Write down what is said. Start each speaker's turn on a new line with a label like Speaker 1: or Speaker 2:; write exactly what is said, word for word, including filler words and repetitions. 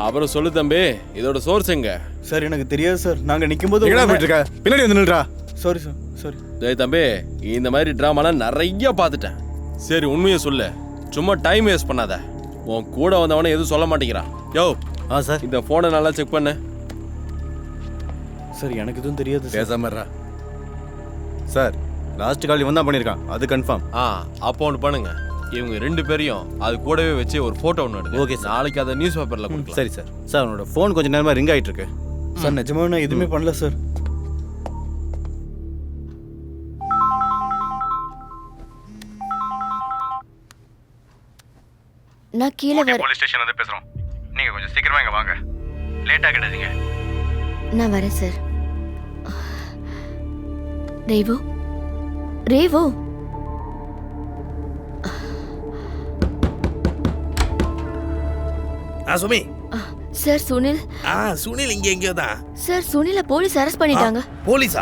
Speaker 1: அப்புறம் சொல்லு தம்பி, இதோட சோர்ஸ் எங்க?
Speaker 2: சார் எனக்கு தெரியாது சார். நாங்க நிக்கும்போது
Speaker 3: எங்கடா போயிட்டு இருக்க? பின்னாடி வந்து நில்றா.
Speaker 2: Sorry sir, sorry.
Speaker 1: டேய் தம்பி, இந்த மாதிரி ட்ராமாலாம் நிறைய பார்த்துட்டேன். சரி உண்மையை சொல்லு, சும்மா டைம் வேஸ்ட் பண்ணாத. உன் கூட வந்தவனே எதுவும் சொல்ல மாட்டேங்கிறான். யோ
Speaker 3: ஆ சார்.
Speaker 1: இந்த ஃபோனை நல்லா செக் பண்ணு.
Speaker 2: சார் எனக்கு எதுவும் தெரியாது சார்.
Speaker 3: பேசாம இருடா. சார் லாஸ்ட் கால் இவன் தான் பண்ணியிருக்கான், அது கன்ஃபார்ம்.
Speaker 1: ஆ அப்போ ஒன்று பண்ணுங்க, இவங்க ரெண்டு பேரையும் அது கூடவே வச்சு ஒரு ஃபோட்டோ ஒன்று எடுங்க.
Speaker 3: Okay sir.
Speaker 1: நாளைக்கு அதை நியூஸ் பேப்பரில் கொடுக்கலாம்.
Speaker 3: சரி சார். சார் அவனோட ஃபோன் கொஞ்சம் நேரமாக ரிங் ஆகிட்டு இருக்கு.
Speaker 2: சார் நிஜமாவே நான் எதுவுமே பண்ணல சார்.
Speaker 4: நான் கீழே வர
Speaker 5: போலீஸ் ஸ்டேஷன் வந்து பேசுறோம். நீங்க கொஞ்சம் சீக்கிரமா இங்க வாங்க. லேட்டா கிடாதீங்க.
Speaker 4: நான் வரேன் சார். ரேவு ரேவு
Speaker 6: ஆ சுமி.
Speaker 4: சார் சுனில்.
Speaker 6: ஆ சுனில் இங்க எங்கேயோ தான்.
Speaker 4: சார் சுனில போலீஸ் அரெஸ்ட் பண்ணிட்டாங்க.
Speaker 6: போலீஸா?